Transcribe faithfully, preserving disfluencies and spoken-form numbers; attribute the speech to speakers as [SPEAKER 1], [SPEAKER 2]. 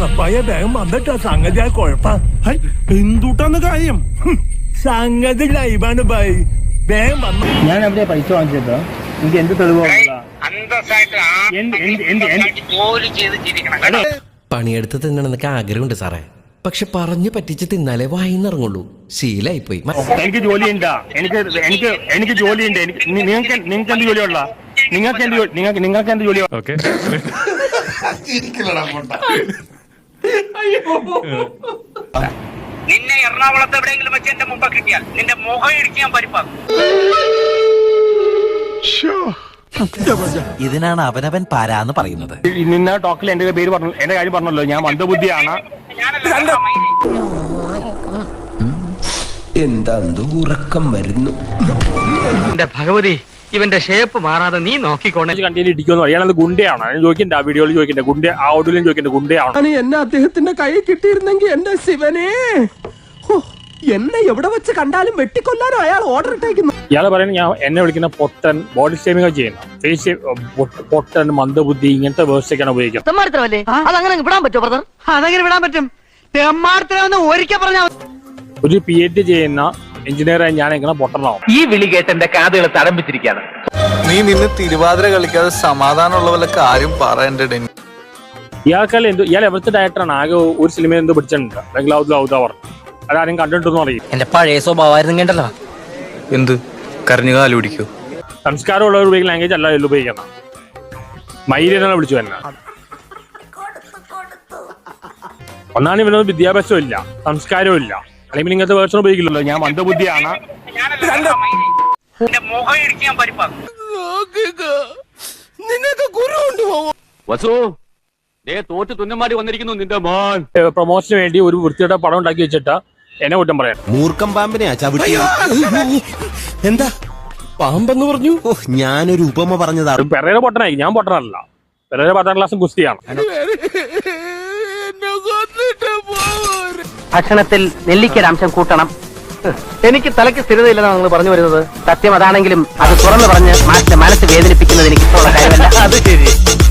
[SPEAKER 1] തങ്ങപ്പായ വേഗം വന്നിട്ടാ സംഗതി ആ കുഴപ്പം.
[SPEAKER 2] എന്തുട്ടാന്ന് കാര്യം?
[SPEAKER 1] സംഗതി ലൈവാണ് ബായ്, വേഗം വന്നു.
[SPEAKER 2] ഞാൻ എവിടെയാ പൈസ വാങ്ങിച്ചത്? എനിക്ക് എന്ത് തെളിവ്?
[SPEAKER 3] പണിയെടുത്ത് തിന്നണമെന്നൊക്കെ ആഗ്രഹമുണ്ട് സാറേ, പക്ഷെ പറഞ്ഞു പറ്റിച്ച് തിന്നാലേ വായിന്നിറങ്ങുള്ളൂ. ശീലായിപ്പോയി.
[SPEAKER 2] എനിക്ക് ജോലിയുണ്ട, എനിക്ക് എനിക്ക് എനിക്ക് ജോലിയുണ്ട്. നിങ്ങൾക്ക് നിങ്ങൾക്ക് എന്ത് ജോലിയുള്ള? നിങ്ങൾക്ക് എന്ത് നിങ്ങൾക്ക് നിങ്ങൾക്ക് എന്ത് ജോലി? ഓക്കെ,
[SPEAKER 4] നിന്നെ എറണാകുളത്ത് എവിടെയെങ്കിലും വെച്ച് എന്റെ മുമ്പ് കിട്ടിയാൽ നിന്റെ മുഖം ഇടിക്കാൻ പരിപ്പാക്കും.
[SPEAKER 5] ഇതിനാണ് അവനവൻ പാരാന്ന് പറയുന്നത്.
[SPEAKER 2] നിന്ന ടോക്കിൽ എന്റെ പേര് പറഞ്ഞു, എന്റെ കാര്യം പറഞ്ഞല്ലോ. ഞാൻ മന്ദബുദ്ധിയാണ്.
[SPEAKER 3] എന്താ ഉറക്കം വരുന്നു.
[SPEAKER 6] എന്റെ ഭഗവതി, ഇവന്റെ ഷേപ്പ് മാറാതെ നീ നോക്കിക്കോണേ.
[SPEAKER 2] കണ്ടിയിൽ ഇടിക്കുന്നു. അയാളത് ഗുണ്ടയാണ്. ഞാൻ ചോദിക്കണ്ട, ആ വീഡിയോയിൽ ചോദിക്കണ്ട, ഗുണ്ട ആ ഓഡിയോയിലും ചോദിക്കണ്ട, ഗുണ്ടയാണ്.
[SPEAKER 7] എന്നെ അദ്ദേഹത്തിന്റെ കൈ കിട്ടിയിരുന്നെങ്കിൽ എന്റെ ശിവനെ, എന്നെ എവിടെ വെച്ച് കണ്ടാലും വെട്ടിക്കൊല്ലാനോ അയാൾ ഓർഡർ ഇട്ടേക്കുന്നു.
[SPEAKER 2] ഇയാള് പറയുന്നത് ഞാൻ എന്നെ വിളിക്കുന്ന പൊട്ടൻ, ബോഡി ഷേമിംഗ് ചെയ്യുന്ന, ഫേസ് പൊട്ടൻ, മന്ദബുദ്ധി, ഇങ്ങനത്തെ വേഴ്സൊക്കെയാണ് ഉപയോഗിക്കുന്നത്.
[SPEAKER 6] അതങ്ങനെ വിടാൻ പറ്റുമോ ബ്രദർ? അതെങ്ങനെ വിടാൻ പറ്റും? ഒരിക്കൽ പറഞ്ഞാൽ
[SPEAKER 2] ഒരു പി എച്ച് ഡി ചെയ്യുന്ന എഞ്ചിനീയറായി ഞാൻ എങ്ങനെ പൊട്ടനാവും?
[SPEAKER 6] ഈ വിളി കേട്ട് എന്റെ കാതുകൾ തടംപിച്ചിരിക്കുകയാണ്.
[SPEAKER 8] നീ നിന്ന് തിരുവാതിര കളിക്കാതെ സമാധാനമുള്ള വല്ല കാര്യം പറയണ്ടേ?
[SPEAKER 2] ഇയാൾക്കല്ല എന്ത്, ഇയാൾ എവിടുത്തെ ഡയറക്ടറാണ്? ആകെ ഒരു സിനിമ എന്തോ പിടിച്ചിട്ടുണ്ട്, ബംഗ്ലാവ്. അതാരും കണ്ടിട്ടൊന്നും അറിയും.
[SPEAKER 6] എന്റെ പഴയ സ്വഭാവമായിരുന്നു കേട്ടല്ലോ.
[SPEAKER 8] എന്ത് കരഞ്ഞു കാല് പിടിക്കൂ?
[SPEAKER 2] സംസ്കാരമുള്ളവർ ഉപയോഗിക്കുന്ന ലാംഗ്വേജ് അല്ല ഇതിൽ ഉപയോഗിക്കണം. മൈരനാണ് വിളിച്ചു തന്നെ. ഒന്നാണ് ഇവനൊന്നും വിദ്യാഭ്യാസവും ഇല്ല, സംസ്കാരവും ഇല്ല, അല്ലെങ്കിൽ ഇങ്ങനത്തെ വേർഷൻ ഉപയോഗിക്കില്ലല്ലോ. ഞാൻ മന്ദബുദ്ധിയാണ്.
[SPEAKER 4] മുഖം ഇടിക്കാൻ പരിപ്പാക്കും.
[SPEAKER 7] നിനക്ക് ഗുരു ഉണ്ട്
[SPEAKER 6] വസു, തോറ്റ് തുന്നമാടി വന്നിരിക്കുന്നു നിന്റെ മോൻ.
[SPEAKER 2] പ്രൊമോഷന് വേണ്ടി ഒരു വൃത്തിയുടെ പടം ഉണ്ടാക്കി വെച്ചിട്ട് എന്നെ കുറ്റം പറയാം.
[SPEAKER 5] മൂർഖം പാമ്പിനെയാ ചവിട്ടി. എന്താ
[SPEAKER 3] പാമ്പെന്ന് പറഞ്ഞു?
[SPEAKER 5] ഞാനൊരു ഉപമ പറഞ്ഞതാ.
[SPEAKER 2] പെരേര പൊട്ടനായി, ഞാൻ പൊട്ടനല്ല. പെരേര പത്താം ക്ലാസ്സും ഗുസ്തിയാണ്.
[SPEAKER 6] ഭക്ഷണത്തിൽ നെല്ലിക്കൊരംശം കൂട്ടണം. എനിക്ക് തലയ്ക്ക് സ്ഥിരതയില്ലെന്നാണ് നിങ്ങൾ പറഞ്ഞു വരുന്നത്. സത്യം അതാണെങ്കിലും അത് തുറന്നു പറഞ്ഞ് മാറ്റ മനസ്സ് വേദനിപ്പിക്കുന്നത് എനിക്ക് ഇഷ്ടമുള്ള കാര്യമല്ല. അത് ശരി.